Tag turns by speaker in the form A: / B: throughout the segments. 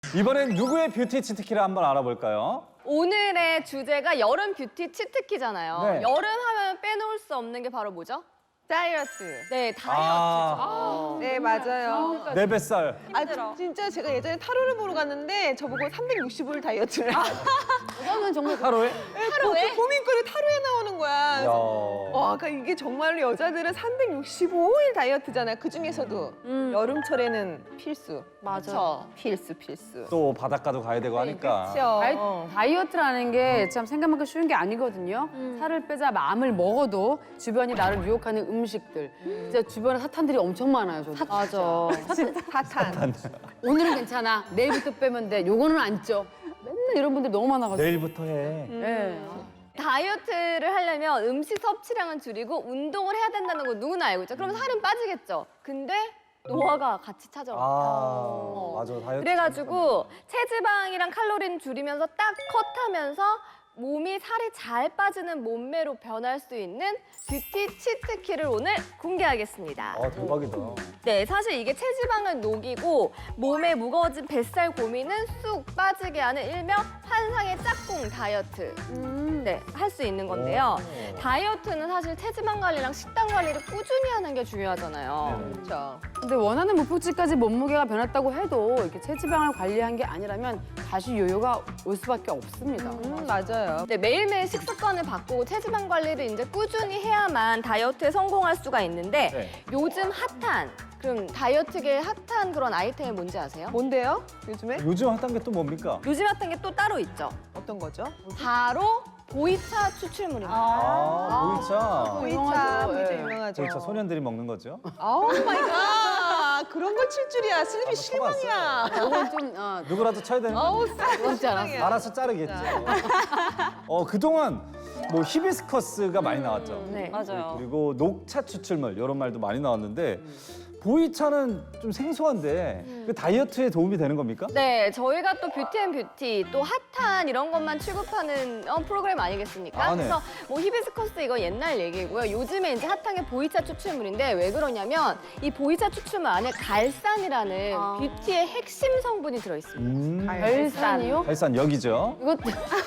A: 이번엔 누구의 뷰티 치트키를 한번 알아볼까요?
B: 오늘의 주제가 여름 뷰티 치트키잖아요.
A: 네.
B: 여름 하면 빼놓을 수 없는 게 바로 뭐죠?
C: 다이어트.
B: 네, 다이어트죠.
C: 네, 맞아요.
A: 내 뱃살.
C: 진짜 제가 예전에 타로를 보러 갔는데 저보고 365일 다이어트를.
D: 이거는 정말
A: 하루에?
B: 하루에?
C: 고민거리 타로에 나오는 거야.
A: 야.
C: 그래서 와, 그러니까 이게 정말로 여자들은 365일 다이어트잖아요. 그 중에서도 여름철에는 필수.
B: 맞아.
C: 필수.
A: 또 바닷가도 가야 되고 하니까.
C: 그렇죠.
D: 다이어트라는 게 참 생각만큼 쉬운 게 아니거든요. 살을 빼자 마음을 먹어도 주변이 나를 유혹하는 음식들. 진짜 주변에 사탄들이 엄청 많아요, 저도.
B: 맞아.
C: 사탄.
D: 오늘은 괜찮아. 내일부터 빼면 돼. 요거는 안 쪄. 맨날 이런 분들 너무 많아가지고.
A: 내일부터 해.
D: 네.
B: 다이어트를 하려면 음식 섭취량은 줄이고 운동을 해야 된다는 거 누구나 알고 있죠. 그럼 살은 빠지겠죠. 근데 노화가 같이 찾아와요.
A: 맞아. 다이어트.
B: 그래가지고 체지방이랑 칼로리는 줄이면서 딱 컷하면서 몸이 살이 잘 빠지는 몸매로 변할 수 있는 뷰티 치트키를 오늘 공개하겠습니다.
A: 대박이다.
B: 네, 사실 이게 체지방을 녹이고 몸에 무거워진 뱃살 고민은 쑥 빠지게 하는 일명 환상의 짝꿍 다이어트. 네, 할 수 있는 건데요. 다이어트는 사실 체지방 관리랑 식단 관리를 꾸준히 하는 게 중요하잖아요.
C: 그렇죠.
D: 근데 원하는 목표치까지 몸무게가 변했다고 해도 이렇게 체지방을 관리한 게 아니라면 다시 요요가 올 수밖에 없습니다.
C: 맞아요.
B: 네, 매일매일 식습관을 바꾸고 체지방 관리를 이제 꾸준히 해야만 다이어트에 성공할 수가 있는데
A: 네.
B: 요즘 핫한 그럼 다이어트계의 핫한 그런 아이템이 뭔지 아세요?
C: 뭔데요? 요즘에?
A: 요즘 핫한 게 또 뭡니까?
B: 요즘 핫한 게 또 따로 있죠.
C: 어떤 거죠?
B: 바로 보이차 추출물입니다.
A: 보이차.
C: 보이차
D: 유명하죠.
C: 진짜
D: 예.
C: 유명하죠.
A: 보이차 소년들이 먹는 거죠?
C: 오 마이 갓. 그런 걸 칠 줄이야. 슬비
A: 쳐봤어요.
C: 실망이야.
D: 요건 좀
A: 누구라도 쳐야 되는 거.
C: 어우, 슬비
D: 그렇지 않았어.
C: 실망이야.
A: 알아서 자르겠죠. 그동안 뭐 히비스커스가 많이 나왔죠.
B: 네.
E: 맞아요.
A: 그리고 녹차 추출물 이런 말도 많이 나왔는데 보이차는 좀 생소한데 그 다이어트에 도움이 되는 겁니까?
B: 네, 저희가 또 뷰티앤뷰티 또 핫한 이런 것만 취급하는 프로그램 아니겠습니까?
A: 아, 네.
B: 그래서 뭐 히비스커스 이거 옛날 얘기고요. 요즘에 이제 핫한 게 보이차 추출물인데 왜 그러냐면 이 보이차 추출물 안에 갈산이라는 뷰티의 핵심 성분이 들어있습니다.
D: 갈산이요?
A: 갈산 여기죠.
D: 이것도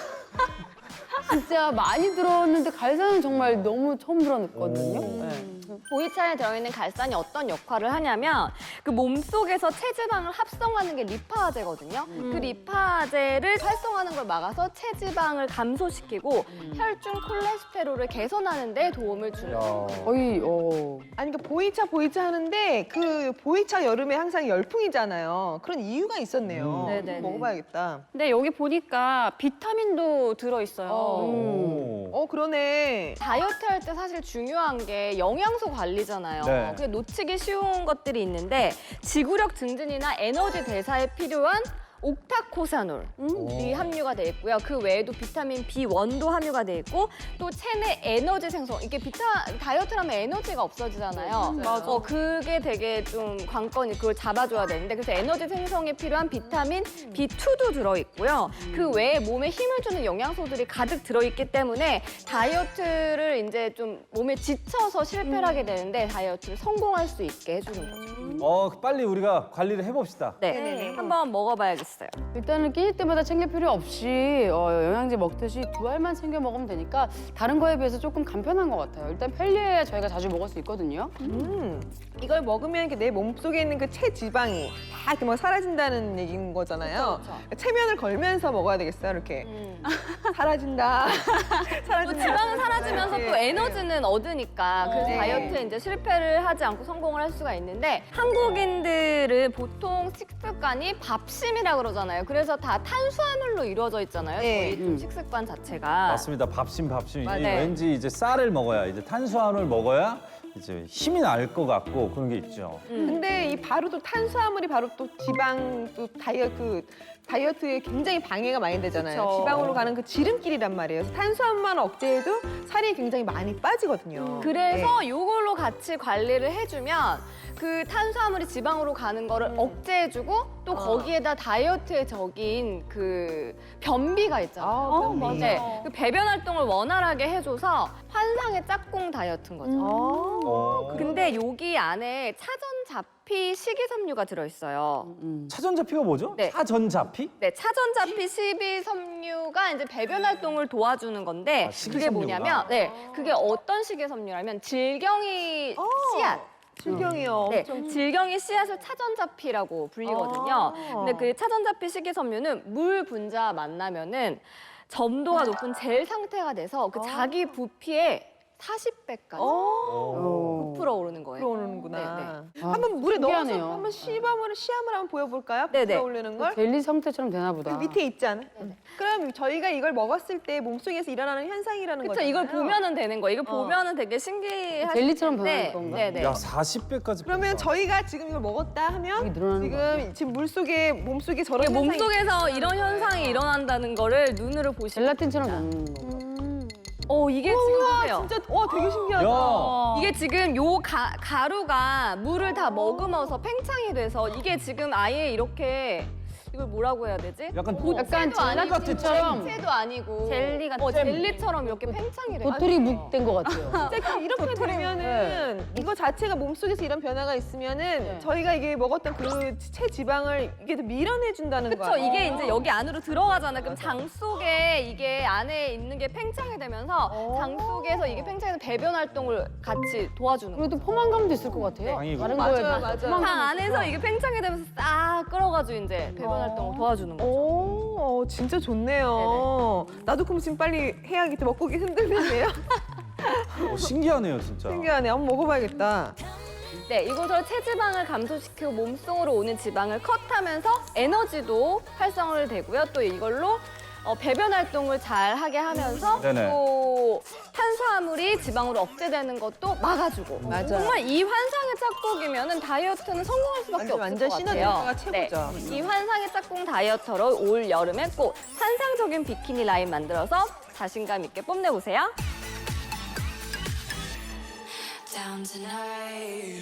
D: 진짜 많이 들었는데 갈산은 정말 너무 처음 들었거든요. 네.
B: 보이차에 들어있는 갈산이 어떤 역할을 하냐면 그 몸속에서 체지방을 합성하는 게 리파제거든요. 그 리파제를 활성화하는 걸 막아서 체지방을 감소시키고 혈중 콜레스테롤을 개선하는 데 도움을 주는 거예요.
D: 거의
C: 아니 그러니까 보이차 하는데 그 보이차 여름에 항상 열풍이잖아요. 그런 이유가 있었네요.
B: 네네네.
C: 먹어봐야겠다.
E: 근데 여기 보니까 비타민도 들어있어요.
C: 그러네.
B: 다이어트 할 때 사실 중요한 게 영양소 관리잖아요.
A: 네.
B: 그게 놓치기 쉬운 것들이 있는데 지구력 증진이나 에너지 대사에 필요한 옥타코사놀이 함유가 돼 있고요. 그 외에도 비타민 B1도 함유가 돼 있고 또 체내 에너지 생성. 이게 다이어트를 하면 에너지가 없어지잖아요.
C: 맞아.
B: 그게 되게 좀 관건이 그걸 잡아줘야 되는데 그래서 에너지 생성에 필요한 비타민 B2도 들어있고요. 그 외에 몸에 힘을 주는 영양소들이 가득 들어있기 때문에 다이어트를 이제 좀 몸에 지쳐서 실패를 하게 되는데 다이어트를 성공할 수 있게 해주는 거죠.
A: 빨리 우리가 관리를 해봅시다.
B: 네,
C: 네네네.
B: 한번 먹어봐야겠어요.
D: 일단은 끼니 때마다 챙길 필요 없이 영양제 먹듯이 두 알만 챙겨 먹으면 되니까 다른 거에 비해서 조금 간편한 것 같아요. 일단 편리해야 저희가 자주 먹을 수 있거든요.
C: 이걸 먹으면 이렇게 내 몸속에 있는 그 체지방이 다 이렇게 막 사라진다는 얘기인 거잖아요.
B: 그쵸, 그쵸.
C: 체면을 걸면서 먹어야 되겠어요, 이렇게. 사라진다.
B: 또
C: 사라진다.
B: 지방은 사라지면서 또 에너지는 얻으니까 그래서
C: 네.
B: 다이어트에 이제 실패를 하지 않고 성공을 할 수가 있는데 한국인들은 보통 식습관이 밥심이라 그러잖아요. 그래서 다 탄수화물로 이루어져 있잖아요.
C: 네.
B: 저희 좀 식습관 자체가.
A: 맞습니다. 밥심.
B: 네.
A: 왠지 이제 쌀을 먹어야 이제 탄수화물 먹어야 이제 힘이 날 것 같고 그런 게 있죠.
C: 근데 이 바로 또 탄수화물이 바로 또 지방 또 다이어트에 굉장히 방해가 많이 되잖아요.
B: 그쵸.
C: 지방으로 가는 그 지름길이란 말이에요. 그래서 탄수화물만 억제해도 살이 굉장히 많이 빠지거든요.
B: 그래서 요걸로 같이 관리를 해주면 그 탄수화물이 지방으로 가는 거를 억제해주고 또 거기에다 다이어트에 적인 그 변비가 있잖아요.
C: 변비.
B: 네, 그 배변 활동을 원활하게 해줘서 환상의 짝꿍 다이어트인 거죠.
A: 어.
B: 근데 여기 안에 차전잡 차전자피 식이섬유가 들어있어요.
A: 차전자피가 뭐죠?
B: 네.
A: 차전자피?
B: 네, 차전자피 식이섬유가 이제 배변 활동을 도와주는 건데
A: 아,
B: 그게
A: 식이섬유구나.
B: 뭐냐면, 네, 그게 어떤 식이섬유라면 질경이 씨앗.
C: 질경이요.
B: 네,
C: 엄청
B: 질경이 씨앗을 차전자피라고 불리거든요. 근데 그 차전자피 식이섬유는 물 분자와 만나면은 점도가 높은 젤 상태가 돼서 그 자기 부피의 40배까지 부풀어 오르는 거예요.
C: 들어오는구나.
B: 네,
C: 한번 물에 넣어서
D: 신기하네요.
C: 한번 시험을 한번 보여볼까요?
B: 네네.
C: 들어오르는 걸?
D: 젤리 상태처럼 되나 보다.
C: 그 밑에 있잖아. 그럼 저희가 이걸 먹었을 때 몸속에서 일어나는 현상이라는
B: 그렇죠.
C: 거잖아요.
B: 이걸 보면은 되는 거예요. 이거 보면은 되게 신기하실
D: 젤리처럼
B: 텐데,
D: 변하는 건가?
B: 네네.
A: 야, 40배까지.
C: 그러면 저희가 지금 이걸 먹었다 하면
D: 이게 늘어나는 거
C: 지금 물속에 몸속에 저런
B: 이게
C: 현상이
B: 몸속에서 이런 현상이 일어난다는 거를 눈으로 보시면
D: 젤라틴처럼
B: 됩니다.
D: 되는 거.
B: 이게 지금 보세요.
C: 진짜 와 되게 신기하다.
A: 야,
B: 이게 지금 요 가루가 물을 다 머금어서 팽창이 돼서 이게 지금 아예 이렇게 이걸 뭐라고 해야 되지?
A: 약간
D: 약간 젤라틴처럼
B: 젤도 아니고
E: 젤리 같은
B: 젤리처럼 이렇게 팽창이 돼.
D: 도토리 묵된 것 같아요.
C: 진짜 이렇게 되면은 이거 자체가 몸속에서 이런 변화가 있으면은 저희가 이게 먹었던 그 체지방을 이게 더 밀어내 준다는
B: 그렇죠.
C: 거예요.
B: 이게 이제 여기 안으로 들어가잖아. 그럼 장 속에 이게 안에 있는 게 팽창이 되면서 장 속에서 이게 팽창해서 배변 활동을 같이 도와주는 거예요.
D: 그리고 포만감도 있을 것 같아요.
A: 당이고.
D: 다른
C: 맞아요,
D: 거에 비해서
C: 맞아요.
B: 장
D: 포만감이
B: 안에서 이게 팽창이 되면서 싹 끌어가지고 이제 배변 활동을 도와주는 거죠.
C: 오, 진짜 좋네요. 나도 그럼 지금 빨리 해야겠다. 먹고 오기 힘들겠네요.
A: 신기하네요, 진짜.
C: 신기하네. 한번 먹어봐야겠다.
B: 네, 이것으로 체지방을 감소시키고 몸속으로 오는 지방을 컷하면서 에너지도 활성화를 되고요. 또 이걸로 배변 활동을 잘 하게 하면서
A: 네네.
B: 또 탄수화물이 지방으로 억제되는 것도 막아주고.
C: 맞아요.
B: 정말 이 환상의 짝꿍이면은 다이어트는 성공할 수밖에 없을
C: 완전
B: 것
C: 시너지
B: 같아요.
C: 효과가 최고죠.
B: 네, 이 환상의 짝꿍 다이어터로 올 여름에 꼭 환상적인 비키니 라인 만들어서 자신감 있게 뽐내보세요.
F: down tonight.